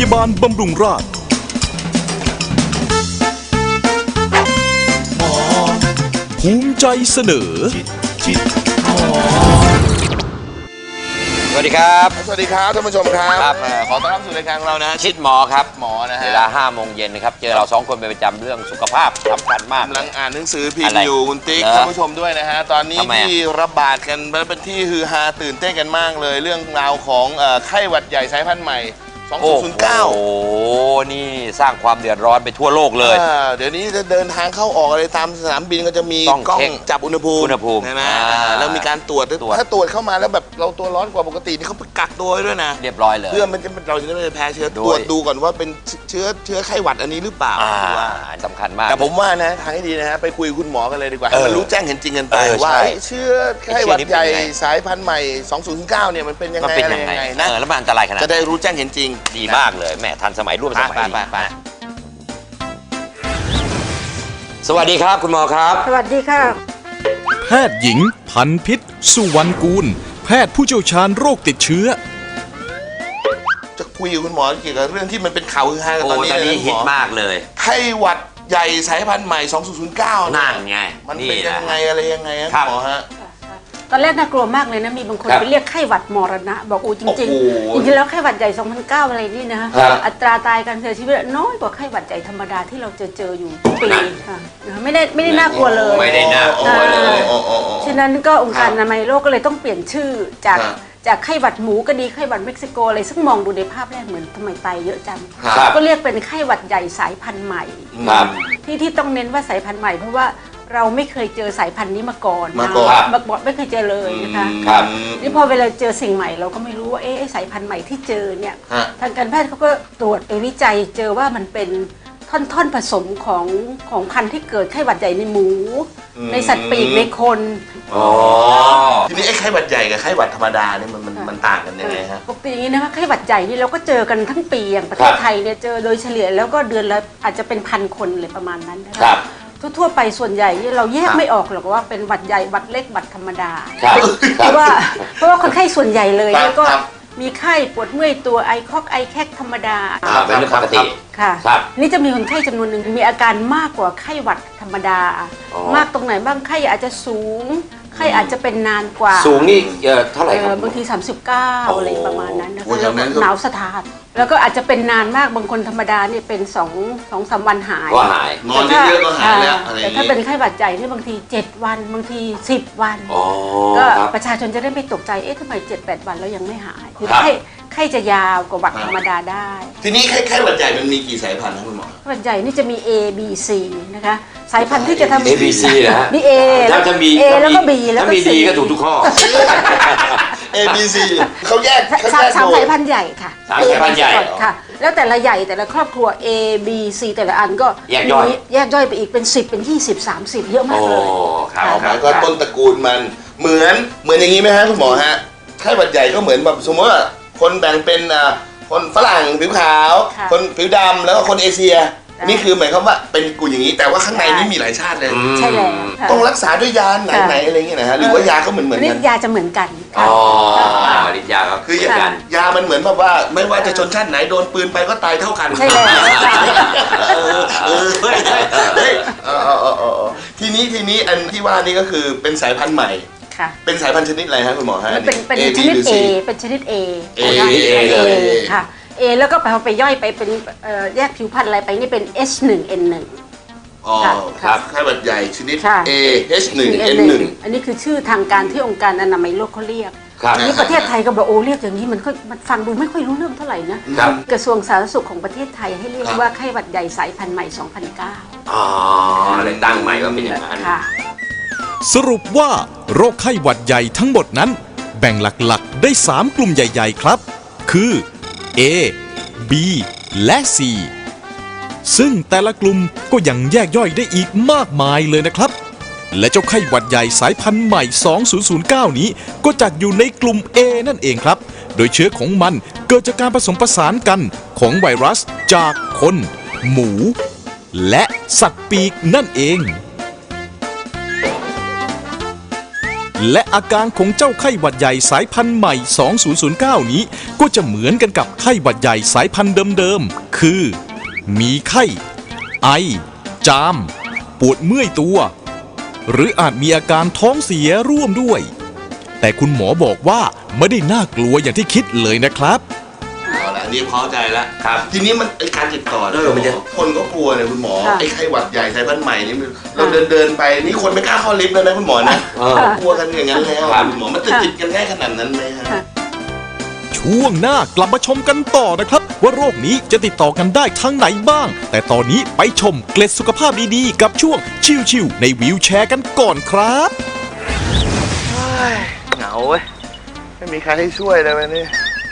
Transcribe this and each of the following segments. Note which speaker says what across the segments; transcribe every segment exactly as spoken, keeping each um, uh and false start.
Speaker 1: ยาบาลบำรุงราษฎร์ภูมิใจเสนอ
Speaker 2: สวัสดีครับ
Speaker 3: สวัสดีครับท่านผู้ชมครับ
Speaker 2: ครับ
Speaker 3: ขอต้อนรับสู่รายการของเรานะ
Speaker 2: ชิดหมอครับ
Speaker 3: หมอนะฮะ
Speaker 2: เวลาห้าโมงเย็นนะครับเจอเราสองคนเป็นประจำเรื่องสุขภาพสำคัญมาก
Speaker 3: กำลังอ่านหนังสือพิมพ์อยู่คุณติ๊กท่านผู้ชมด้วยนะฮะตอนนี้ที่ระบาดกันเป็นที่ฮือฮาตื่นเต้นกันมากเลยเรื่องราวของไข้หวัดใหญ่สายพันธุ์ใหม่สองพันสิบเก้า
Speaker 2: โอ้โหนี่สร้างความเดือดร้อนไปทั่วโลกเลย
Speaker 3: เดี๋ยวนี้จะเดินทางเข้าออกอะไรตามสนามบินก็จะมีกล้องจับอุณหภูมิ
Speaker 2: อุณหภูมิ
Speaker 3: ใช่ไหมแล้วมีการตรวจถ้าตรวจเข้ามาแล้วแบบเราตัวร้อนกว่าปกตินี่เขาไปกักตัวด้วยนะ
Speaker 2: เรียบร้อยเลย
Speaker 3: เพื่อมันจะเราจะไม่แพ้เชื้อตรวจดูก่อนว่าเป็นเชื้อเชื้อไข้หวัดอันนี้หรือเปล่า
Speaker 2: สำคัญมาก
Speaker 3: แต่ผมว่านะทางที่ดีนะฮะไปคุยคุณหมอกันเลยดีกว่าให้มันรู้แจ้งเห็นจริงกันไปว่าเชื้อไข้หวัดใหญ่สายพันธุ์ใหม่สองพันสิบเก้าเนี่ยมันเป็นยังไงอะไรยังไงนะ
Speaker 2: แล้วมันอันตรายขนาด
Speaker 3: จะได้รู้แจ้งเห็นจริง
Speaker 2: ดีมากเลยแม่ทันสมัยร่วมสมัยสวัสดีครับคุณหมอครับ
Speaker 4: สวัสดีค่ะ
Speaker 1: แพทย์หญิงพันพิษสุวรรณกูลแพทย์ผู้เชี่ยวชาญโรคติดเชื้อ
Speaker 3: จะคุยกับคุณหมอเกี่ยวกับเรื่องที่มันเป็นข่าวฮือฮาตอนนี้เลย
Speaker 2: ฮิตมากเลย
Speaker 3: ไข้หวัดใหญ่สายพันธุ์ใหม่สองพันเก้า
Speaker 2: นั่นไง
Speaker 3: มันเป็นยังไงอะไรยังไงครับหมอฮะ
Speaker 4: ตอนแรกน่ากลัวมากเลยนะมีบางคนไปเรียกไข้หวัดมรณะบอกอู้จริงจริงจริงๆแล้วไข้หวัดใหญ่สองพันเก้าอะไรนี่นะอัตราตายการเสียชีวิตน้อยกว่าไข้หวัดใหญ่ธรรมดาที่เราเจอเจออยู่ทุกปีค่ะไม่ได้ไม่ได้น่ากลัวเลย
Speaker 2: ไม่ได้น่ากลัวเลย
Speaker 4: ฉะนั้นก็องค์การอนามัยโลกก็เลยต้องเปลี่ยนชื่อจากจากไข้หวัดหมูก็ดีไข้หวัดเม็กซิโกอะไรซึ่งมองดูในภาพแรกเหมือนทำไมตายเยอะจังก็เรียกเป็นไข้หวัดใหญ่สายพันธุ์ใหม่ที่ที่ต้องเน้นว่าสายพันธุ์ใหม่เพราะว่าเราไม่เคยเจอสายพันธุ์นี้มาก่อน
Speaker 3: มาก่อน
Speaker 4: มาก่อนไม่เคยเจอเลยนะคะนี่พอเวลาเจอสิ่งใหม่เราก็ไม่รู้ว่าเอ๊ะสายพันธุ์ใหม่ที่เจอเนี่ยทางการแพทย์เขาก็ตรวจไปวิจัยเจอว่ามันเป็นท่อนๆผสมของของพันธุ์ที่เกิดไข้หวัดใหญ่ในหมูในสัตว์ปีกในคน
Speaker 3: อ๋อทีนี้ไอ้ไข้หวัดใหญ่กับไข้หวัดธรรมดาเนี่ยมันมันต่างกันยังไงฮะ
Speaker 4: ปกติอย่างนี้นะคะไข้หวัดใหญ่นี่เราก็เจอกันทั้งปีอย่างประเทศไทยเนี่ยเจอโดยเฉลี่ยแล้วก็เดือนละอาจจะเป็นพันคนเลยประมาณนั้นนะคะทั่วๆไปส่วนใหญ่เราแยกไม่ออกหรอกว่าเป็นหวัดใหญ่หวัดเล็กหวัดธรรมดาเพราะว่าเพราะว่าคนไข้ส่วนใหญ่เลยเนี่ยก็มีไข้ปวดเมื่อยตัวไอคอกไอแคกธรรมดา
Speaker 2: เป็นเรื่องปกติ
Speaker 4: ค่ะนี่จะมีคนไข้จำนวนหนึ่งมีอาการมากกว่าไข้หวัดธรรมดามากตรงไหนบ้างไข้อาจจะสูงไข้อาจจะเป็นนานกว่า
Speaker 2: สูงนี่เท่าไหร่ครับ
Speaker 4: บางทีสามสิบเก้าอะไรประมาณนั้นนะคะหนาวสะท้านแล้วก็อาจจะเป็นนานมากบางคนธรรมดาเนี่ยเป็นสองสองสามวันหาย
Speaker 2: ก็หาย
Speaker 3: นอนเยอะๆก็หายแล้ว
Speaker 4: แต่ถ้าเป็นไข้หวัดใหญ่นี่บางทีเจ็ดวันบางทีสิบวันก็ประชาชนจะได้ไม่ตกใจเอ๊ะทำไมเจ็ดแปดวันแล้วยังไม่หายคือไข้ไข้จะยาวกว่าหวัดธรรมดาได้
Speaker 3: ทีนี้ไข้ไข้หวัดใหญ่มันมีกี่สายพันธุ์นะคุณหมอ
Speaker 4: หวัดใหญ่นี่จะมี A B C นะคะสายพันธุ์ที่จะทำ
Speaker 2: A B C นะฮะ
Speaker 4: มี A แล้วก็ B แล้วก็ B แล้วก็ C
Speaker 2: ก็ถูกทุกข้อ
Speaker 3: A B C เขาแยก
Speaker 4: สามสายพันธุ์ใหญ่ค่ะ
Speaker 2: สามสายพันธุ์ใหญ่
Speaker 4: ค่ะแล้วแต่ละใหญ่แต่ละครอบครัว A B C แต่ละอันก็
Speaker 2: แยกย่อย
Speaker 4: แยกย่อยไปอีกเป็นสิบเป็นยี่สิบ สามสิบเยอะมากเลย
Speaker 2: โอ้ครับ
Speaker 3: ก็ต้นตระกูลมันเหมือนเหมือนอย่างนี้ไหมฮะคุณหมอฮะไข้หวัดใหญ่ก็เหมือนแบบสมมติว่าคนแบ่งเป็นคนฝรั่งผิวขาวคนผิวดำแล้วก็คนเอเชียนี่คือหมายความว่าเป็นกลุ่มอย่างนี้แต่ว่าข้างในนี่มีหลายชาติเลย
Speaker 4: ใช่แล้ว
Speaker 3: ต้องรักษาด้วยยาไหนๆอะไรเงี้ยนะฮะหรือว่ายาก็เหมือนเหมือนกัน
Speaker 4: ยาจะเหมือนกัน
Speaker 2: อ๋อฤทธิ์ยาก็
Speaker 3: คือยามันเหมือนแบบว่าไม่ว่าจะชนชาติไหนโดนปืนไปก็ตายเท่ากัน
Speaker 4: ใช่แล้ว
Speaker 3: เออเออเฮ้ยเฮ้ยทีนี้ทีนี้อันที่ว่านี่ก็คือเป็นสายพันธุ์ใหม่เป็นสายพันธุ์ชนิดอะไรฮะคุณหมอฮะ
Speaker 4: เป็นเป็นชนิด A เป็นชนิด A
Speaker 3: A A เลย
Speaker 4: ค่ะ A แล้วก็ไปไปย่อยไปเป็นแยกผิวพันธุ์อะไรไปนี่เป็น H หนึ่ง N หนึ่ง
Speaker 3: อ๋อครับไข้หวัดใหญ่ชนิด A H หนึ่ง N หนึ่ง
Speaker 4: อันนี้คือชื่อทางการที่องค์การอนามัยโลกเขาเรียกนี่ประเทศไทยก็บอกโอ้เรียกอย่างนี้มันก็มันฟังดูไม่ค่อยรู้เรื่องเท่าไหร่นะกระทรวงสาธารณสุขของประเทศไทยให้เรียกว่าไข้หวัดใหญ่สายพันธุ์ใหม่สองพันเก้า
Speaker 2: อ๋อเลยตั้งใหม่ว่าเป็นอย่างนั้น
Speaker 1: สรุปว่าโรคไข้หวัดใหญ่ทั้งหมดนั้นแบ่งหลักๆได้สามกลุ่มใหญ่ๆครับคือ A B และ C ซึ่งแต่ละกลุ่มก็ยังแยกย่อยได้อีกมากมายเลยนะครับและเจ้าไข้หวัดใหญ่สายพันธุ์ใหม่สองพันเก้านี้ก็จัดอยู่ในกลุ่ม A นั่นเองครับโดยเชื้อของมันเกิดจากการผสมผสานกันของไวรัสจากคนหมูและสัตว์ปีกนั่นเองและอาการของเจ้าไข้หวัดใหญ่สายพันธุ์ใหม่ สองพันเก้า นี้ ก็จะเหมือนกันกับไข้หวัดใหญ่สายพันธุ์เดิมๆ คือ มีไข้ ไอ จาม ปวดเมื่อยตัว หรืออาจมีอาการท้องเสียร่วมด้วย แต่คุณหมอบอกว่าไม่ได้น่ากลัวอย่างที่คิดเลยนะครับ
Speaker 3: เอาละอันนี้พอใจแล้ว
Speaker 2: ครับ
Speaker 3: ทีนี้มันไอการติดต่อ
Speaker 2: เออมันจะ
Speaker 3: คนก็กลัวเนี่ยคุณหมอ
Speaker 4: ค่ะ
Speaker 3: ไอ้ไข้หวัดใหญ่สายพันธุ์ใหม่นี่มันเราเดินเดินๆไปนี่คนไม่กล้าเข้าลิฟต์แล้วนะคุณหมอนะ
Speaker 2: เออ
Speaker 3: กลัวกันอย่างนั้นแล้ว
Speaker 2: ครับ
Speaker 3: คุณหมอมันจะติดกันง่ายขนาดนั้นไหมฮะ
Speaker 1: ช่วงหน้ากลับมาชมกันต่อนะครับ ว่าโรคนี้จะติดต่อกันได้ทางไหนบ้าง แต่ตอนนี้ไปชมเกล็ดสุขภาพดีๆ กับช่วงชิวๆในวีลแชร์กันก่อนครับ
Speaker 3: เหงาเว้ยไม่มีใครให้ช่วยเลยวันนี้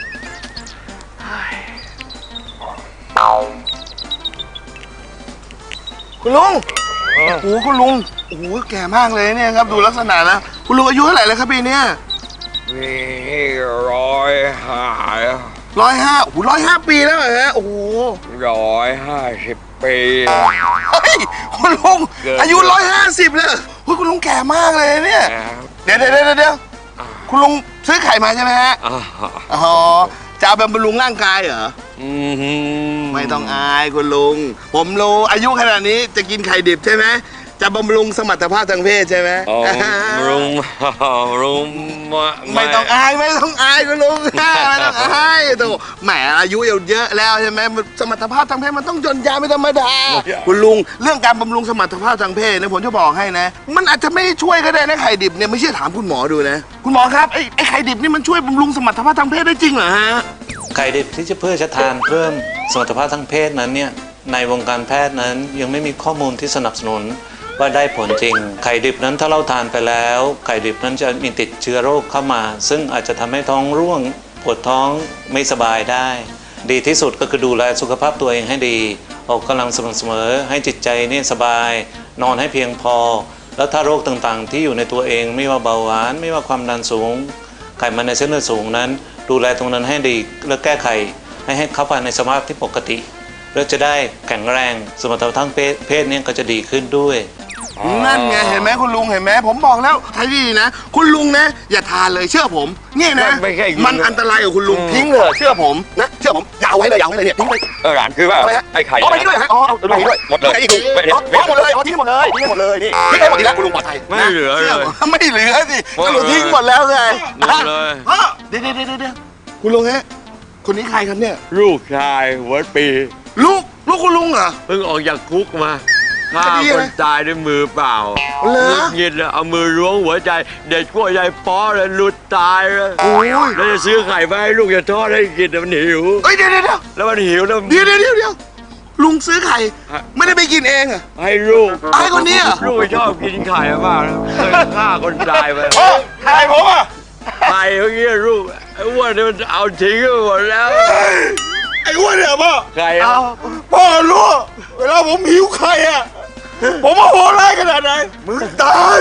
Speaker 3: คุณลุงโอ้โหคุณลุงโอ้โหแก่มากเลยเนี่ยครับดูลักษณะนะคุณลุงอายุเท่าไหร่แล้วครับปีเนี้ย
Speaker 5: มีร้อยห้า
Speaker 3: ร้อยห้าโอ้โหร้อยห้าปีแล้วเหรอฮะโอ้โห
Speaker 5: ร้อยห้าสิบปี
Speaker 3: เฮ้ยคุณลุงอายุร้อยห้าสิบเลยเฮ้ยคุณลุงแก่มากเลยเนี่ย
Speaker 5: นะครับ
Speaker 3: เดี๋ยวเดี๋ยวเดี๋ยวเดี๋ยวคุณลุงซื้อไข่มาใช่ไหมฮะ
Speaker 5: อ่า
Speaker 3: อ๋อจะเอาบำรุงร่างกายเหรอ
Speaker 5: อืม
Speaker 3: ไม่ต้องอายคุณลุง ผมรู้อายุขนาดนี้จะกินไข่ดิบใช่ไหมจะบำรุงสมรรถภาพทางเพศใช่ไหม
Speaker 5: อ๋อรุงรุง
Speaker 3: ไม่ต้องอายไม่ต้องอายคุณลุงไม่ต้องอายโตแหมอายุเยอะแล้วใช่ไหมสมรรถภาพทางเพศมันต้องยนยาไม่ธรรมดาคุณลุงเรื่องการบำรุงสมรรถภาพทางเพศเนี่ยผมจะบอกให้นะ มันอาจจะไม่ช่วยก็ได้นะไข่ดิบเนี่ยไม่เชื่อถามคุณหมอดูนะคุณหมอครับไอ้ไอ้ไข่ดิบนี่มันช่วยบำรุงสมรรถภาพทางเพศได้จริงเหรอฮะ
Speaker 6: ไข่ดิบที่จะเพื่อจะทานเพิ่มสมรรถภาพทางเพศนั้นเนี่ยในวงการแพทย์นั้นยังไม่มีข้อมูลที่สนับสนุนว่าได้ผลจริง ไข่ดิบนั้นถ้าเราทานไปแล้ว ไข่ดิบนั้นจะมีติดเชื้อโรคเข้ามา ซึ่งอาจจะทำให้ท้องร่วงปวดท้องไม่สบายได้ ดีที่สุดก็คือดูแลสุขภาพตัวเองให้ดีออกกำลังสม่ำเสมอให้จิตใจนี่สบาย นอนให้เพียงพอ แล้วถ้าโรคต่างๆ ที่อยู่ในตัวเองไม่ว่าเบาหวานไม่ว่าความดันสูง ไขมันในเส้นเลือดสูงนั้น ดูแลตรงนั้นให้ดีและแก้ไขให้ให้เข้าไปในสภาพที่ปกติแล้วจะได้แข็งแรงสมรรถภาพทางเพศเนี่ยก็จะดีขึ้นด้วย
Speaker 3: นั่นไงเห็นไหมคุณลุงเห็นไหมผมบอกแล้วไทยดีนะ คุณลุงนะ อย่าทานเลยเชื่อผมนี่นะ
Speaker 5: ไม่ใช่
Speaker 3: มันอันตรายกับคุณลุงทิ้งเลยเชื่อผมนะเชื่อผมอย่าเอาไว้เลยอย่าเอาไว้เลยเนี่ยทิ้งไป
Speaker 5: เออหลานคือว่า
Speaker 3: อะไรฮะ
Speaker 5: ไอ้ไข่
Speaker 3: อ๋อไปทิ้งเลยฮะอ๋อเอาไปทิ้งด้วย
Speaker 5: หมดเลย
Speaker 3: ไอ้อีก
Speaker 5: ไม่
Speaker 3: อ๋ออ๋อหมดเลยอ๋อทิ้งหมดเลยทิ้งหมดเลยนี่ทิ้งให้หมดทีแล้วคุณลุงปลอดภัย
Speaker 5: ไม่เหลือเลย
Speaker 3: ชื่ผมไม่เหลือสิ
Speaker 5: หมด
Speaker 3: ก็
Speaker 5: เลย
Speaker 3: ลุงทิ้งหมดแล้วไง
Speaker 5: หมดเลย
Speaker 3: อ๋อเดี๋ยวเดี๋ยวเดี๋ยวเดี๋ยวคุณลุงฮะคนนี้ใครครับเนี่ย
Speaker 5: ลูกชายหัวปี
Speaker 3: ลูกลูกคุณลุงเหรอ
Speaker 5: เพิ่งออกจากคุกมาฆ่า
Speaker 3: คดี
Speaker 5: ค
Speaker 3: อะไร
Speaker 5: นตายด้วยมือเปล่า
Speaker 3: เหรอ
Speaker 5: เงียบเลยเอามือล้วงหัวใจ เด็กกล้วยใจป้อเลยหลุดตายเลย
Speaker 3: โอ้ย
Speaker 5: แล้วจะซื้อไข่มาให้ลูกจะทอดให้กินแต่มันหิว
Speaker 3: เอ้ยเดี๋ยวเดี๋ยวเดี๋ยว
Speaker 5: แล้วมันหิวแล้ว
Speaker 3: เดี๋ยวเดี๋ยวเดี๋ยวเดี๋ยวลุงซื้อไข่ไม่ได้ไปกินเองเหรอ
Speaker 5: ให้ลูก
Speaker 3: ให้คนนี้เหรอ
Speaker 5: ลูกไม่ชอบกินไข่มากนะเคยฆ่าคนตายไป
Speaker 3: โอ้ไข่ผมอ่ะ
Speaker 5: ไข่เมื่อกี้ลูกไอ้อ้วนนี่มันเอาทิ้งไปหมดแล้ว
Speaker 3: ไอ้อ้วนเนี่ยพ่อ
Speaker 5: ไข่
Speaker 3: เอาพ่อรู้เวลาผมหิวไข่อ่ะผมว่าโหดร้ายขนาดไหนมึงตาย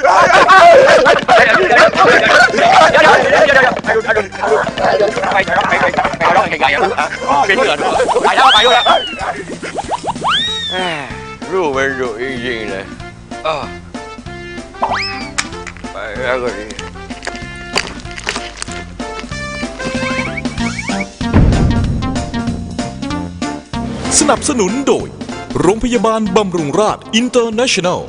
Speaker 5: ลูกมันดุจริงๆเลยอ้าวไปแล้วก็ดี
Speaker 1: สนับสนุนโดยโรงพยาบาลบำรุงราษอินเตอร์เนชั่นแนล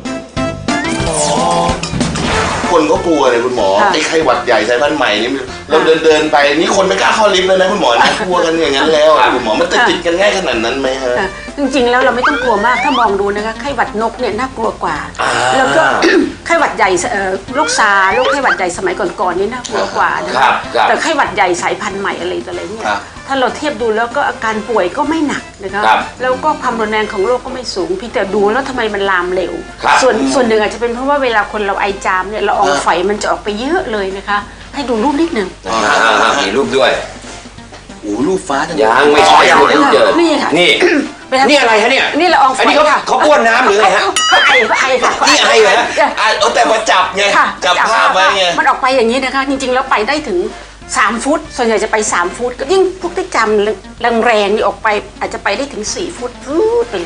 Speaker 3: คนก็กลัวเลยคุณหมอ
Speaker 4: ค่ะ
Speaker 3: ไอ้ไข้หวัดใหญ่สายพันธุ์ใหม่นี่เราเดินเดินๆไปนี่คนไม่กล้าเข้าลิฟต์เลยนะคุณหมอนะกลัวกันอย่างนั้นแล้วอะคุณหมอมันจะติดกันง่ายขนาดนั้นไหมฮะ
Speaker 4: ค่ะจริงๆแล้วเราไม่ต้องกลัวมากถ้ามองดูนะคะไข้หวัดนกเนี่ยน่ากลัวกว่า
Speaker 3: อ่า
Speaker 4: แล้วก็ ไข้หวัดใหญ่เอ่อโรคซาร์โรคไข้หวัดใหญ่สมัยก่อนๆนี่น่ากลัวกว่านะ
Speaker 2: ครั
Speaker 4: คะ
Speaker 2: บครับ
Speaker 4: แต่ไข้หวัดใหญ่สายพันธุ์ใหม่อะไรต่ออะไรเนี่ย
Speaker 3: ครับ
Speaker 4: ถ้าเราเทียบดูแล้วก็อาการป่วยก็ไม่หนักนะคะ
Speaker 2: ครับ
Speaker 4: แล้วก็ความรุนแรงของโรคก็ไม่สูงเพียงแต่ดูแล้วทำไมมันลามเร็ว
Speaker 2: ครับ
Speaker 4: ส่วนส่วนหนึ่งอาจจะเป็นเพราะว่าเวลาคนเราไอจามเนี่ยละอองไฝมันจะออกไปเยอะเลยนะคะ ให้ดูรูปนิดหนึ่ง
Speaker 2: อ่าๆๆมีรูปด้วย
Speaker 3: โอ้รูปฟ้าจัง
Speaker 2: ยังไม่ใช่ยังไม่เจอ
Speaker 4: นี่ค่ะ
Speaker 2: นี่ นี่อะไรฮะเนี่ย
Speaker 4: นี่ละอองไฟ
Speaker 2: อันนี้เขา
Speaker 4: ค่ะ
Speaker 2: เขาบ้วนน้ำหรือไงฮะ
Speaker 4: เขาไอเขาไอค่ะ
Speaker 2: นี่ไอเหรอฮะ
Speaker 3: อ่ะเอาแต่มาจับไง
Speaker 4: ค่ะ
Speaker 3: จับภาพไว้ไง
Speaker 4: มันออกไปอย่างนี้นะคะ จริงๆแล้วไปได้ถึงสามฟุต ส่วนใหญ่จะไปสามฟุตก็ยิ่งพวกที่จำแรงๆนี่ออกไปอาจจะไปได้ถึงสี่ฟุตฟูดไปเลย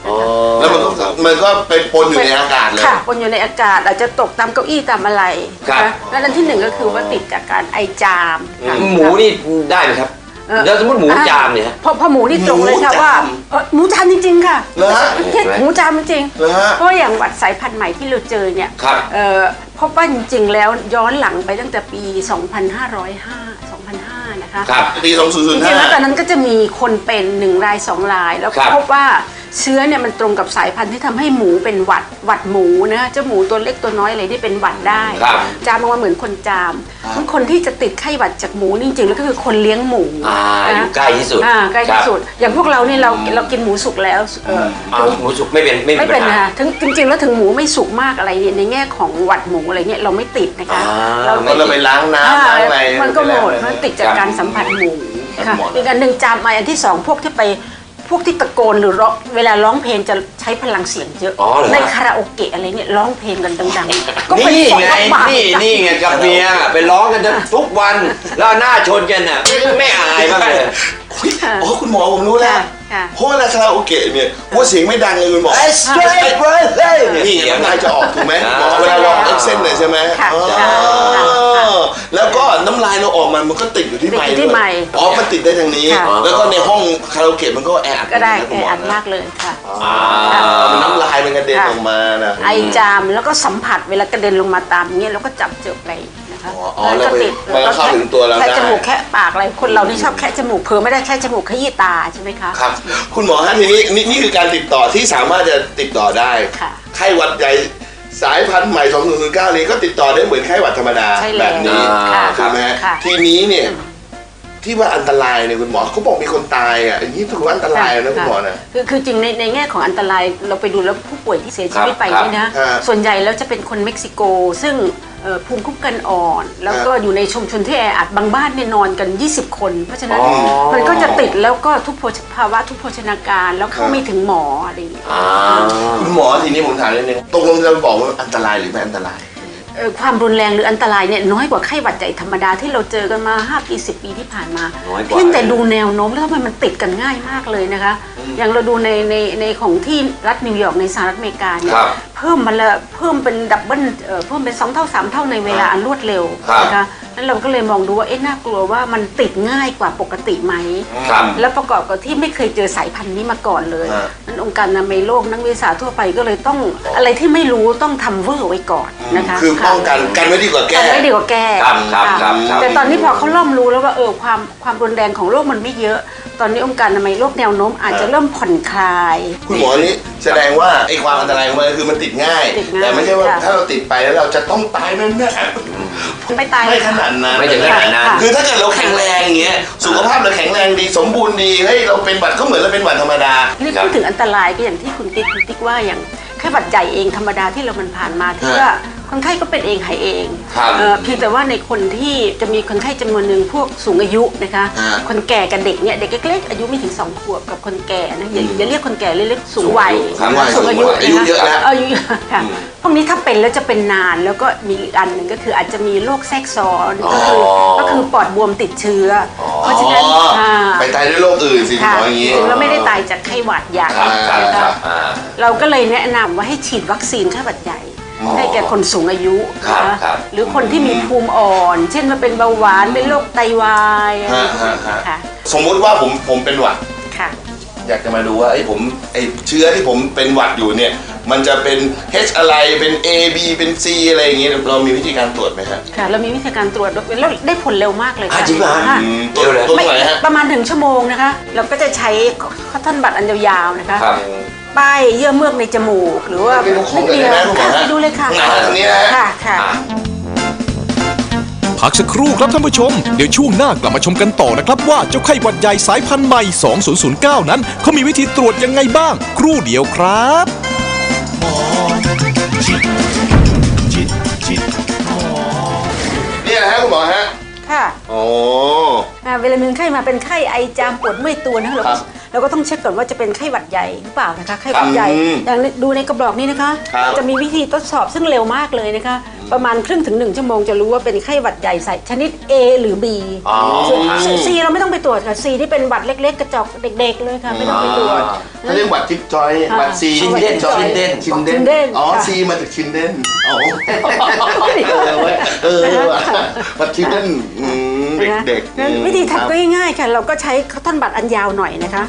Speaker 2: อ๋อ
Speaker 3: แล้วมันก็มันก็ไปปนอยู่ในอากาศเลย
Speaker 4: ค่ะปนอยู่ในอากาศอาจจะตกตามเก้าอี้ตามอะไร
Speaker 2: ครับ
Speaker 4: นะแล้วอันที่หนึ่งก็คือว่าติดจากการไอจามค่ะ
Speaker 2: หมูนี่ได้ไหมครับ
Speaker 4: เออ
Speaker 2: แล้วสมมติหมูจามเนี่ยฮะ
Speaker 4: พอพอหมูนี่ตรงเลยค่ะ
Speaker 3: หมูจาม
Speaker 4: ว่าเอ่อหมูจามจริงๆค่ะ
Speaker 3: เหรอฮะ
Speaker 4: ไม่ใช่หมูจามจริง
Speaker 3: เหรอฮะ
Speaker 4: เพราะอย่างหวัดสายพันธุ์ใหม่ที่เราเจอเนี่ย
Speaker 2: ครับ
Speaker 4: เอ่อพบว่าจริงๆแล้วย้อนหลังไปตั้งแต่ปี สองพันห้าร้อยห้า สองพันห้า นะคะ
Speaker 2: ครับ
Speaker 3: ปีสองศูนย์
Speaker 4: จ
Speaker 3: ศูนย์
Speaker 4: ริ
Speaker 3: ห้าง
Speaker 4: ๆแล้วตอนนั้นก็จะมีคนเป็นหนึ่งรายสองราย แล้ว
Speaker 2: ครับ
Speaker 4: พบว่าเชื้อเนี่ยมันตรงกับสายพันธุ์ที่ทำให้หมูเป็นหวัดหวัดหมูนะเจ้าหมูตัวเล็กตัวน้อยอะไรที่เป็นหวัดได้
Speaker 2: ครับ
Speaker 4: จามออกมาเหมือนคนจามมันคนที่จะติดไข้หวัดจากหมูนี่จริงๆแล้วก็คือคนเลี้ยงหมู
Speaker 2: อ่าอ
Speaker 4: นะ
Speaker 2: ยู่ใกล้ที่สุด
Speaker 4: อ่าใกล้ที่สุด อย่างพวกเรานี่เราเรากินหมูสุกแล้วเออ
Speaker 2: อ่าหมูสุกไม่เป็นไม่มี
Speaker 4: ไม่
Speaker 2: ปั
Speaker 4: เป็น
Speaker 2: ญหา
Speaker 4: ค่ะถึงจริงๆแล้วถึงหมูไม่สุกมากอะไรเนี่ยในแง่ของหวัดหมูอะไรเนี่ยเราไม่ติดนะคะ
Speaker 2: อ่า
Speaker 4: เรา
Speaker 3: เพราะเราไปล้างน้ำล้างอะไร
Speaker 4: มันก็หมด
Speaker 3: ไปแล้ว
Speaker 4: มันติดจากการสัมผัสหมู
Speaker 3: ครับ
Speaker 4: ค่ะ
Speaker 3: หมด
Speaker 4: อีกอันหนึ่งจามมาอันที่สองพวกที่ไปพวกที่ตะโกนหรือร้องเวลาร้องเพลงจะใช้พลังเสียงเยอะ
Speaker 2: อ๋อเหรอ
Speaker 4: ในคาราโอเกะอะไรเนี่ยร้องเพลงกันดังๆก็เป็น
Speaker 2: นี่
Speaker 4: ของ
Speaker 2: ไง
Speaker 4: บาป
Speaker 2: นี่นี่ไงกับเมียไปร้องกันทุกวันแล้วหน้าชนกันน่ะไม่อายบ้างเลย
Speaker 3: อุ๊ยอ๋อคุณหมอผมรู้แล้ว
Speaker 4: ค่ะ
Speaker 3: เพราะเวลาคาราโอเกะเนี่ยว่าเสียงไม่ดังเลยคุณหมอ
Speaker 2: straight brother
Speaker 3: นี่ไงน้ำลายจะออกถูกไหม
Speaker 2: อ่า
Speaker 3: หมอเวลาร้องเอ็กเซนเลยใช่ไหม
Speaker 4: ค่ะ
Speaker 3: อ๋อ
Speaker 4: ค่ะค่ะค่ะ
Speaker 3: แล้วก็น้ำลายเราออกมามันก็ติดอยู่ที่
Speaker 4: ติด
Speaker 3: ไม
Speaker 4: อยู่
Speaker 3: ค์
Speaker 4: ที่
Speaker 3: ด้วย
Speaker 4: ไมค์
Speaker 3: อ๋อมันติดได้ทางนี้
Speaker 4: ค่ะ
Speaker 3: แล้วก็ในห้องคาราโอเกะมันก็แออัด
Speaker 4: ก็ได้
Speaker 3: นะ
Speaker 4: แอ
Speaker 3: คุณหมอ
Speaker 4: อัด
Speaker 3: นะ
Speaker 4: มากเลยค่ะ
Speaker 3: อ่ามันน้ำลายมันกระเด็น
Speaker 4: ค่ะ
Speaker 3: ออกมานะ
Speaker 4: ไอจามแล้วก็สัมผัสเวลากระเด็นลงมาตามอย่างเงี้ยเราก็จับเจอไปนะคะ
Speaker 3: อ๋ออ๋อแล้วไป
Speaker 4: ติด
Speaker 3: มันก็เข้าถึงตัวเราได้
Speaker 4: แค่จมูกแค่ปากอะไรคนเรานี่ชอบแค่จมูกเผลอไม่ได้แค่จมูกขยี้ตาใช่ไหมคะ
Speaker 3: ครับ คุณหมอฮะทีนี้นี่นี่คือการติดต่อที่สามารถจะติดต่อได้
Speaker 4: ค่ะ
Speaker 3: ไข้หวัดใหญ่สายพันธุ์ใหม่สองศูนย์ศูนย์เก้านี้ก็ติดต่อได้เหมือนไข้หวัดธรรมดา
Speaker 4: ใช่แล้ว
Speaker 3: แบบนี้
Speaker 4: ค่ะ
Speaker 3: ถูกไหมฮะ
Speaker 4: ค่ะ
Speaker 3: ทีนี้เนี่ยที่ว่าอันตรายเนี่ยคุณหมอเขาบอกมีคนตายอ่ะอย่างนี้ถือว่าอันตรายนะคุณหมอนะ
Speaker 4: คือคือจริงในในแง่ของอันตรายเราไปดูแล้วผู้ป่วยที่เสียชีวิตไป
Speaker 2: ครับ
Speaker 4: เนี่ยนะ
Speaker 3: ฮะ
Speaker 4: ส่วนใหญ่แล้วจะเป็นคนเม็กซิโก ซึ่งเอ่อภูมิคุ้มกันอ่อน แล้วก็อยู่ในชุมชนที่แออัดบางบ้านเนี่ยนอนกัน ยี่สิบ คน เพราะฉะนั้น
Speaker 2: อ๋อ
Speaker 4: มันก็จะติดแล้วก็ทุกโภชภาวะทุกโภชนาการแล้วเข้าไม่ถึงหมออะไรอย่างเงี้ย
Speaker 2: อ่า
Speaker 3: คุณหมอทีนี้ผมถามนิดนึงตกลงจะบอกว่าอันตรายหรือไม่อันตราย
Speaker 4: เอ่อความรุนแรงหรืออันตรายเนี่ยน้อยกว่าไข้หวัดใหญ่ธรรมดาที่เราเจอกันมาห้าปีสิบปีที่ผ่านมา
Speaker 2: น้อยกว่า
Speaker 4: เพียงแต่ดูแนวโน้มแล้วทำไมมันติดกันง่ายมากเลยนะคะ อย่างเราดูในในในของที่รัฐนิวยอร์กในสหรัฐอเมริกาเนี่ย
Speaker 2: ครับ
Speaker 4: เพิ่มมาละเพิ่มเป็นดับเบิลเอ่อเพิ่มเป็นสองเท่าสามเท่าในเวลาอันรวดเร็ว
Speaker 2: ครับ
Speaker 4: นะคะนั้นเราก็เลยมองดูว่าเอ๊ะน่ากลัวว่ามันติดง่ายกว่าปกติไหม
Speaker 2: ครับ
Speaker 4: แล้วประกอบกับที่ไม่เคยเจอสายพันธุ์นี้มาก่อนเลย
Speaker 3: ฮะ
Speaker 4: นั้นองค์การอนามัยโลกนักวิทยาศาสตร์ทั่วไปก็เลยต้องอะไรที่ไม่รู้ต้องทำเวอร์ไว้ก่อนนะคะ
Speaker 3: คือป้องกันกันไว้ดีกว่าแก้
Speaker 4: กันไม่ดีกว่าแก้
Speaker 2: ครับครับครับครับ
Speaker 4: แต่ตอนนี้พอเขาเริ่มรู้แล้วว่าเออความความรุนแรงของโรคมันไม่เยอะ ตอนนี้องค์การอนามัยโลกแนวโน้มอาจจะเริ่มผ่อนคลาย
Speaker 3: คุณหมอนี่แสดงว่าไอ้ความอันตรายของมันคือมันติดง่าย
Speaker 4: ติดง่าย
Speaker 3: แต่ไม่ใช่ว่า
Speaker 4: ค่ะ
Speaker 3: ถ้าเราติดไปแล้วเราจะต้องตายแน่
Speaker 4: ไม่ตาย
Speaker 3: ๆไม่ขนาดนั้น
Speaker 2: ไม่ถึงขนาดนั้น
Speaker 4: ค่ะ
Speaker 3: คือถ้าเกิดเราแข็งแรงอย่างเงี้ยสุขภาพเราแข็งแรงดีสมบูรณ์ดีเฮ้ยเราเป็นหวัดก็เหมือนเราเป็นหวัดธรรมดา
Speaker 4: นี่พูดถึงอันตรายก็อย่างที่คุณติ๊กคุณติ๊กว่าอย่างแค่หวัดใหญ่เองธรรมดาที่เรามันผ่านมาที่ว่าคนไข้ก็เป็นเองหายเอง
Speaker 2: ครับ
Speaker 4: เอ่อเพียงแต่ว่าในคนที่จะมีคนไข้จำนวนหนึ่งพวกสูงอายุนะคะ
Speaker 3: ฮะ
Speaker 4: คนแก่กับเด็กเนี่ยเด็กเล็กๆอายุไม่ถึงสองขวบกับคนแก่นะอย่าอย่าเรียกคนแก่เรียกสูงวัย
Speaker 3: ครับ
Speaker 4: สูงอายุ
Speaker 3: อายุเยอะแล้ว
Speaker 4: อายุเยอะค่ะพวกนี้ถ้าเป็นแล้วจะเป็นนานแล้วก็มีอีกอันหนึ่งก็คืออาจจะมีโรคแทรกซ้อนก็คือก็คือปอดบวมติดเชื้ออเพราะฉะนั้น
Speaker 3: อ๋อ
Speaker 4: ค่ะ
Speaker 3: ไปตายด้วยโรคอื่นสิคุณหมออย่างนี้
Speaker 4: แล้วไม่ได้ตายจากไข้หวัดใหญ่
Speaker 3: ครับครับ
Speaker 4: นะ
Speaker 3: ครั
Speaker 4: คะ
Speaker 3: บ
Speaker 2: อ่า
Speaker 4: เราก็เลยแนะนำว่าให้ฉีดวัคซีนไข้หวัดใหญ่ ให้แก่คนสูงอายุ
Speaker 2: ครับ
Speaker 4: นะคะ
Speaker 2: ครับ
Speaker 4: หรือคนที่มีภูมิอ่อน เช่นว่าเป็นเบาหวานเป็นโรคไตวายอะไรพวกนี้
Speaker 3: ฮะฮะ
Speaker 4: ค่ะ
Speaker 3: สมมุติว่าผมผมเป็นหวัด
Speaker 4: ค่ะ
Speaker 3: อยากจะมาดูว่าไอ้ผมไอ้เชื้อที่ผมเป็นหวัดอยู่เนี่ย มันจะเป็น H อะไรเป็น A B เป็น C อะไรอย่างเงี้ยเรามีวิธีการตรวจไหมฮะ
Speaker 4: ค่ะเรามีวิธีการตรวจด้วยแล้วได้ผลเร็วมากเลย
Speaker 2: อ่ะ
Speaker 4: ค่ะ
Speaker 2: จริงเหรอ
Speaker 4: ค่ะ
Speaker 3: อืมตรวจตรวจ
Speaker 4: ไม่
Speaker 3: ตรงไหนฮะ
Speaker 4: ประมาณหนึ่งชั่วโมงนะคะ เราก็จะใช้คอตตอนบัตอันยาวๆนะคะ
Speaker 2: ครับ
Speaker 4: ป้ายเยื่อเมือกในจมูกหรือว่า
Speaker 3: ไปดูของหน่อยได้ไหมคุณหมอ
Speaker 4: ค่ะ
Speaker 3: ฮะ
Speaker 4: ไปดูเลยค่ะ
Speaker 3: ไหนฮะตรงนี้นะฮะ
Speaker 4: ค่ะค่ะ
Speaker 1: พักสักครู่ครับท่านผู้ชม เดี๋ยวช่วงหน้ากลับมาชมกันต่อนะครับว่าเจ้าไข้หวัดใหญ่สายพันธุ์ใหม่ สองศูนย์ศูนย์เก้า นั้นเขามีวิธีตรวจยังไงบ้าง ครู่เดียวครับ
Speaker 3: เนี่ยนะฮะคุณหมอฮะ
Speaker 4: ค่ะ
Speaker 3: โอ้
Speaker 4: อ่าเวลามีคนไข้มาเป็นไข้ไอจามปวดเมื่อยตัวนะคะเรา
Speaker 3: ครั
Speaker 4: ก็
Speaker 3: บ
Speaker 4: เราก็ต้องเช็คก่อนว่าจะเป็นไข้หวัดใหญ่หรือเปล่านะคะไข้หวัดใหญ่
Speaker 3: อืม
Speaker 4: อย่างดูในกระบอกนี้นะคะ
Speaker 3: ครับ
Speaker 4: จะมีวิธีทดสอบซึ่งเร็วมากเลยนะคะ ประมาณครึ่งถึงหนึ่งชั่วโมงจะรู้ว่าเป็นไข้หวัดใหญ่สายชนิด A หรือ B
Speaker 2: อ๋อ
Speaker 4: ส่วน C เราไม่ต้องไปตรวจค่ะ C ที่เป็นหวัดเล็ก ๆ กระจอกเด็ก ๆ เลยค่ะไม่ต้องไปตรวจ
Speaker 3: เขาเรียกหวัดจิ๊บจอยหวัดซี
Speaker 2: ชินเด่น
Speaker 3: จอย
Speaker 2: ชินเด่น
Speaker 3: ชินเด่
Speaker 4: ชินเด่
Speaker 3: น
Speaker 4: น
Speaker 3: อ๋อ
Speaker 4: ค่ะ
Speaker 3: ซีมาจากชินเด่นอ๋อเออเว้ยเออว่ะหวัดชินเด่นอืม
Speaker 4: นะคะ
Speaker 3: เด็กๆ
Speaker 4: งั้น
Speaker 3: อืม
Speaker 4: วิธี
Speaker 3: ครับ
Speaker 4: ทำก็ง่ายๆค่ะ เราก็ใช้ข้าวต้นบัตรอันยาวหน่อยนะคะ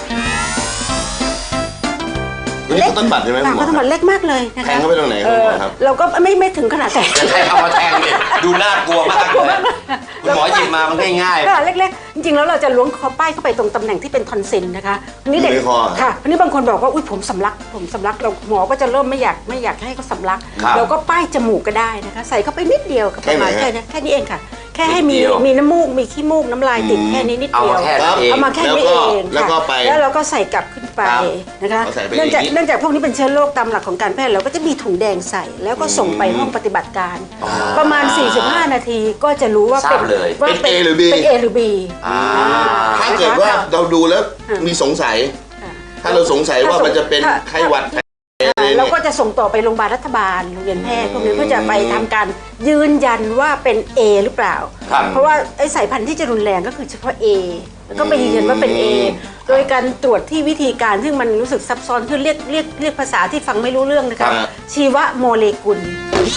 Speaker 3: อันนี้คือต้นบัตรใช่ไหม
Speaker 4: ค่ะ
Speaker 3: คุณหม
Speaker 4: ข้าวต้นบั
Speaker 3: อ
Speaker 4: ตรเล็กมากเลยนะคะ
Speaker 3: แทงเข้าไปตรงไหนครับคุณหมอครับ
Speaker 4: เราก็ไม่ไม่ถึงขนาดแต่
Speaker 2: จะใช้เอามาแทงเนี่ยดูน่ากลัวมากเลยคุณหมอหยิบมามันง่าย
Speaker 4: ค่ะเล็กๆ จริงๆ แล้วเราจะล้วงคอป้ายเข้าไปตรงตำแหน่งที่เป็นทอนซิลนะคะอันนี้เด็ก
Speaker 3: อยู่ในคอ
Speaker 4: ค่ะอันนี้บางคนบอกว่าอุ้ยผมสำลักผมสำลักเราหมอก็จะเริ่มไม่อยากไม่อยากให้เขาสำลัก
Speaker 2: ครับ
Speaker 4: เราก็ป้ายจมูกก็ได้นะคะ ใส่เข้าไปนิดเดียวกับประมาณ
Speaker 3: แค่
Speaker 4: แค่
Speaker 3: ไหนฮะ
Speaker 4: นี้แค่นี้เองค่ะ แค่ให้มี
Speaker 2: นิดเดียว
Speaker 4: มีน้ำมูกมีขี้มูกน้ำลายติดแค่นี้นิด
Speaker 2: เอา
Speaker 4: เดียว
Speaker 2: มาแค่นั้นเอง
Speaker 4: เอามาแค่นี้เอง
Speaker 3: แล้วก็
Speaker 4: ค่ะ
Speaker 3: ไป
Speaker 4: แล้วเราก็ใส่กลับขึ้นไป
Speaker 3: ครับ
Speaker 4: นะคะ
Speaker 3: เอาใส่ไป
Speaker 4: เนื่องจาก
Speaker 3: อย่างนี้
Speaker 4: เนื่องจากพวกนี้เป็นเชื้อโรคตามหลักของการแพทย์เราก็จะมีถุงแดงใส่แล้วก็ส่งไปห้องปฏิบัติการ ประมาณ สี่สิบห้า นาทีก็จะรู้ว่า
Speaker 2: ทรา
Speaker 4: เป็น
Speaker 2: บเลย
Speaker 4: ว่า
Speaker 3: เป็น A หรือ B
Speaker 4: เป็น A หรือ B
Speaker 2: อ่า
Speaker 3: ถ้าเกิดว่าเราดูแล้วมีสงสัย
Speaker 4: ค่ะ
Speaker 3: ถ้าเราสงสัยว่ามันจะเป็น
Speaker 4: ถ้า
Speaker 3: ไข้หวัด
Speaker 4: เราก็จะส่งต่อไปโรงพยาบาลรัฐบาลโรงเรียนแพทย์พวกนี้เพื่อจะไปทำการยืนยันว่าเป็น A หรือเปล่า
Speaker 2: ครับ
Speaker 4: เพราะว่าไอ้สายพันธุ์ที่จะรุนแรงก็คือเฉพาะ A แล้วก็ไปยืนยันว่าเป็น A โดยการตรวจที่วิธีการซึ่งมันรู้สึกซับซ้อนคือเรียกเรียกเรียกภาษาที่ฟังไม่รู้เรื่องนะคะ
Speaker 3: ครับ
Speaker 4: ชีวโมเลกุล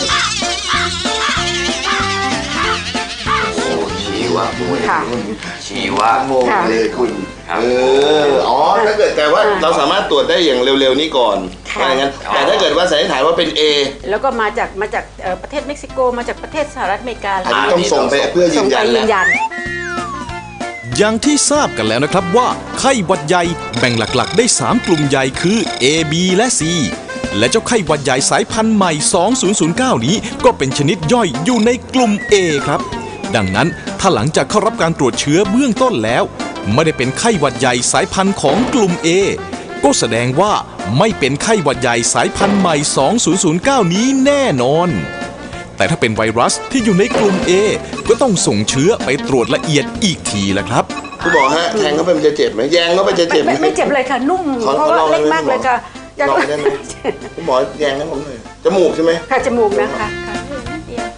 Speaker 2: โอ้ชีวะโมเล
Speaker 4: ค่ะ
Speaker 2: กุลชีวะ
Speaker 3: โมเลยคุณ
Speaker 2: ครับ
Speaker 3: เอออ๋อถ้าเกิดแต่ว่าเราสามารถตรวจได้อย่างเร็วๆนี้ก่อน
Speaker 4: ค่ะ
Speaker 3: อะไรงั้นแต่ถ้าเกิดว่าสันนิษฐานว่าเป็น A
Speaker 4: แล้วก็มาจากมาจากเอ่อประเทศเม็กซิโกมาจากประเทศสหรัฐอเมริกา
Speaker 3: อันนี้ต้องส่งไปเพื่อยื
Speaker 4: ส่ง
Speaker 3: น
Speaker 4: ไป
Speaker 3: ยัน
Speaker 4: ยื
Speaker 3: แล้ว
Speaker 4: นยัน
Speaker 1: อย่างที่ทราบกันแล้วนะครับว่าไข้หวัดใหญ่แบ่งหลักๆ ได้ สาม กลุ่มใหญ่คือ A B และ C และเจ้าไข้หวัดใหญ่สายพันธุ์ใหม่ สองพันเก้า นี้ก็เป็นชนิดย่อยอยู่ในกลุ่ม A ครับ ดังนั้นถ้าหลังจากเข้ารับการตรวจเชื้อเบื้องต้นแล้ว ไม่ได้เป็นไข้หวัดใหญ่สายพันธุ์ของกลุ่ม A ก็แสดงว่าไม่เป็นไข้หวัดใหญ่สายพันธุ์ใหม่ สองพันเก้า นี้แน่นอน แต่ถ้าเป็นไวรัสที่อยู่ในกลุ่ม A ก็ต้องส่งเชื้อไปตรวจละเอียดอีกทีละครับ
Speaker 3: คุณหมอฮะแทงเข้าไปมันจะเจ็บไหมแยงเข้าไปจะเจ็บไหม
Speaker 4: ไม่ไม่เจ็บเลยค่ะ นุ่ม
Speaker 3: ขอ
Speaker 4: เพราะ
Speaker 3: ขอล
Speaker 4: ว่า
Speaker 3: อง
Speaker 4: เล็ก
Speaker 3: ได้ไหม
Speaker 4: มากเลยค่ะ
Speaker 3: ลองได้ไหม คุณหมอแยงให้ผมหน่อยจมูกใช่ไหม
Speaker 4: ค่ะจมูกนะคะค่ะนิดเดียว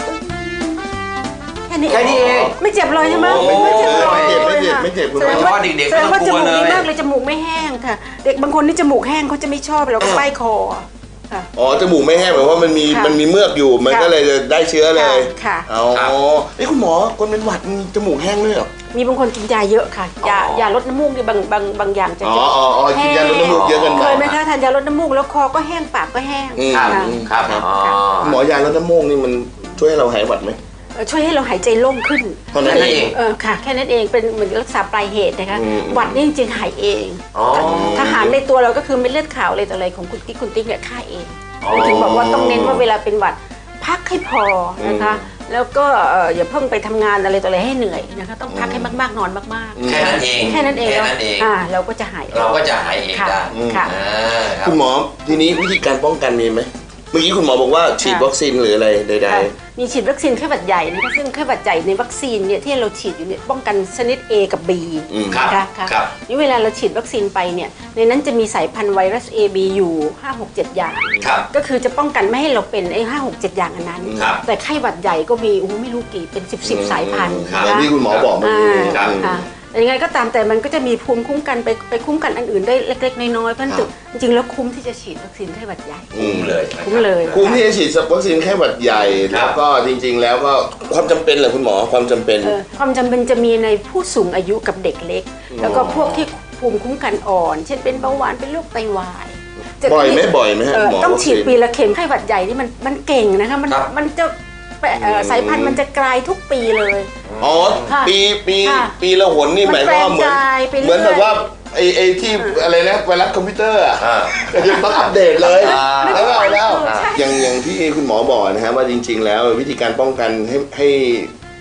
Speaker 4: แค่นี้
Speaker 2: แค่นี้เอง
Speaker 4: ไม่เจ็บเลยใช่ไหม
Speaker 2: โอ้
Speaker 4: ไม่เจ็บเลย
Speaker 3: ไม่เจ็บไม่เจ็บ
Speaker 4: ค่ะ
Speaker 3: ไม่เจ็บคุณห
Speaker 4: แส
Speaker 3: มอ
Speaker 4: ดงว่า
Speaker 2: เด็กๆ
Speaker 4: แสดงว่า
Speaker 2: ไม่
Speaker 4: จ
Speaker 2: ต้องกลั
Speaker 4: มู
Speaker 2: ว
Speaker 4: กดี
Speaker 2: เลย
Speaker 4: มากเลยจมูกไม่แห้งค่ะ เด็กบางคนที่จมูกแห้งเขาจะไม่ชอบเราก็ป้ายคอค่ะ
Speaker 3: อ๋อจมูกไม่แห้งเหมือนว่ามันมี
Speaker 4: ค่ะ
Speaker 3: มันมีเมือกอยู่มัน
Speaker 4: ค่ะ
Speaker 3: ก็เลยจะได้เชื้อเลย
Speaker 4: ค่ะ
Speaker 3: อ๋อไอ้ยคุณหมอคนเป็นหวัดมีจมูกแห้งด้วยเหรอ
Speaker 4: มีบางคนกินยาเยอะค่ะยายาลดน้ำมูกนี่บางบางบางอย่างจะ
Speaker 3: อ๋ออ๋ออ๋อกินยาลดน้ำมูกเยอะเกินไป
Speaker 4: เคยไหมคะทานยาลดน้ำมูกแล้วคอก็แห้งปากก็แห้ง
Speaker 3: อืม
Speaker 2: ครับ
Speaker 4: ค่ะ
Speaker 2: ครับ
Speaker 3: ครับ
Speaker 2: อ๋อ
Speaker 3: หมอยาลดน้ำมูกนี่มันช่วยให้เราหายหวัดไหม
Speaker 4: เอ่อช่วยให้เราหายใจโล่งขึ้น
Speaker 3: เท่านั้นเอง
Speaker 4: เออค่ะ แค่นั้นเองเป็นเหมือนรักษาปลายเหตุนะคะ
Speaker 3: อืม
Speaker 4: หวัดนี่จริงๆหายเอง
Speaker 2: อ๋อ
Speaker 4: ทหารในตัวเราก็คือเม็ดเลือดขาวอะไรต่ออะไรของคุณติ๊กคุณติ๊กเนี่ยฆ่าเอง
Speaker 2: อ๋อ
Speaker 4: ถึงบอกว่าต้องเน้นว่าเวลาเป็นหวัดพักให้พอนะคะ แล้วก็เอ่ออย่าเพิ่งไปทำงานอะไรต่ออะไรให้เหนื่อยนะคะต้องพักให้มากๆนอนมาก
Speaker 2: แค่นั้นเอง
Speaker 4: ๆ แค่นั้นเอง
Speaker 2: แค่นั้นเอง
Speaker 4: อ่าเราก็จะหาย
Speaker 2: เราก็จะหายเอง
Speaker 4: ค่ะ
Speaker 2: ได้
Speaker 4: ค่ะ
Speaker 2: อ่าครับ
Speaker 3: คุณหมอทีนี้วิธีการป้องกันมีไหมเมื่อกี้คุณหมอบอกว่าฉีดวัคซีนหรืออะไรใด
Speaker 4: ค่ะมีฉีดวัคซีนไข้หวัดใหญ่นะคะซึ่งไข้หวัดใหญ่ในวัคซีนเนี่ยที่เราฉีดอยู่เนี่ยป้องกันชนิด A กับ B
Speaker 3: อืม
Speaker 2: ครับ
Speaker 4: นะคะค่ะ
Speaker 2: ครับ
Speaker 4: นี่เวลาเราฉีดวัคซีนไปเนี่ยในนั้นจะมีสายพันธุ์ไวรัส A B อยู่ ห้า หก เจ็ด อย่าง
Speaker 2: ครับ
Speaker 4: ก็คือจะป้องกันไม่ให้เราเป็นไอ้ห้าหกเจ็ดอย่างอันนั้น
Speaker 2: ครับ
Speaker 4: แต่ไข้หวัดใหญ่ก็มีโอ้โหไม่รู้กี่เป็นสิบสิบสายพันธุ์
Speaker 3: ๆ
Speaker 2: ครับ
Speaker 3: อย่าง
Speaker 4: นะ
Speaker 3: ที่คุณหมอบอกเมื่อ
Speaker 4: อ่า
Speaker 3: กี้
Speaker 2: ครับ
Speaker 4: ค่ะแต่ยังไงก็ตามแต่มันก็จะมีภูมิคุ้มกันไปไปคุ้มกันอันอื่นได้เล็กๆน้อยๆเพราะฉะนั้นจริงๆแล้วคุ้มที่จะฉีดวัคซีนไข้หวัดใหญ่
Speaker 3: อืม
Speaker 2: เลย
Speaker 4: คุ้มเลย
Speaker 3: คุ้มที่จะฉีดวัคซีนไข้หวัดใหญ่
Speaker 2: ครั
Speaker 3: แล้
Speaker 2: บ
Speaker 3: วก็จริง ๆ แล้วก็ความจำเป็นเหรอคุณหมอความจำเป็น
Speaker 4: เออความจำเป็นจะมีในผู้สูงอายุกับเด็กเล็ก แล้วก็พวกที่ภูมิคุ้มกันอ่อน เช่นเป็นเบาหวานเป็นโรคไตวายจะ
Speaker 3: บ่อยไหมบ่อยไหมฮะ
Speaker 4: เออ
Speaker 3: หมอ
Speaker 4: ต้อง
Speaker 3: วัค
Speaker 4: ฉีด
Speaker 3: ซีน
Speaker 4: ปีละเข็มไข้หวัดใหญ่นี่มันมันเก่งนะคะมัน
Speaker 2: ครับ
Speaker 4: มันจะแปะเอ่อสายพันธุ์มันจะกลายทุกปีเลย
Speaker 3: อ๋อ
Speaker 4: ค่ะ
Speaker 3: ปีปี
Speaker 4: ค่ะ
Speaker 3: ปีละหนนี่หมายความว่าเหมือน
Speaker 4: มันแปลงกายไปเรื่อย
Speaker 3: เหมือนแบบว่าไอไอที่อะไรนะไวรัสคอมพิวเตอร์อ่ะ
Speaker 2: อ่า
Speaker 3: ยังต้องอัปเดตเลย
Speaker 2: อ่า
Speaker 3: แล้วก็เอาแล้ว
Speaker 4: ใช่
Speaker 3: อย่างอย่างที่คุณหมอบอกนะฮะว่าจริง ๆ แล้ววิธีการป้องกันให้ให้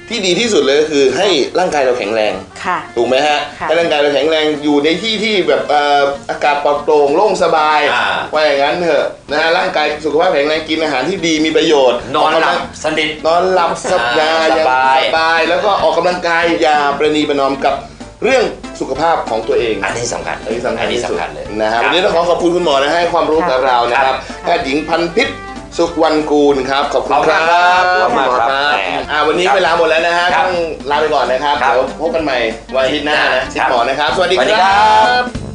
Speaker 3: ที่ดีที่สุดเลยก็คือให้ร่างกายเราแข็งแรง
Speaker 4: ค่ะ
Speaker 3: ถูกไหมฮะ
Speaker 4: ค่ะ
Speaker 3: ให้ร่างกายเราแข็งแรงอยู่ในที่ที่แบบเอ่ออากาศปลอดโปร่งโล่งสบาย
Speaker 2: อ่า
Speaker 3: ว่าอย่างนั้นเถอะนะฮะร่างกายสุขภาพแข็งแรงกินอาหารที่ดีมีประโยชน์
Speaker 2: นอนหลับ
Speaker 3: กกำง
Speaker 2: สนิท
Speaker 3: นอนหลับสบาย
Speaker 2: สบาย
Speaker 3: สบายแล้วก็ออกกำลังกายอย่าประนีประนอมกับเรื่องสุขภาพของตัวเอง
Speaker 2: อันนี้สำคัญ
Speaker 3: อันนี้สำคัญ
Speaker 2: อันนี้
Speaker 3: ที่สุด
Speaker 2: สำคัญเลย
Speaker 3: นะฮะ
Speaker 2: ค
Speaker 3: วั
Speaker 2: รับ
Speaker 3: นนี้ต้องขอขอบคุณคุณหมอนะให้ความรู้กับเรานะครับแพทย์หญิงพันพิษสุขวันกูลครับขอบคุณครับ
Speaker 2: ขอบคุณมากครับ
Speaker 3: ณหมอ
Speaker 2: แหม
Speaker 3: อ่าวันนี้เวลาหมดแล้วนะฮะ
Speaker 2: ครับ
Speaker 3: ต้องลาไปก่อนนะครับ
Speaker 2: ครับ
Speaker 3: เดี๋ยวพบกันใหม่วันอาทิตย์หน้านะ
Speaker 2: ค
Speaker 3: ชิ
Speaker 2: รั
Speaker 3: ด
Speaker 2: บ
Speaker 3: หมอนะครับ สวัสดี
Speaker 2: สวัสดี
Speaker 3: ค
Speaker 2: ครั
Speaker 3: รับ บ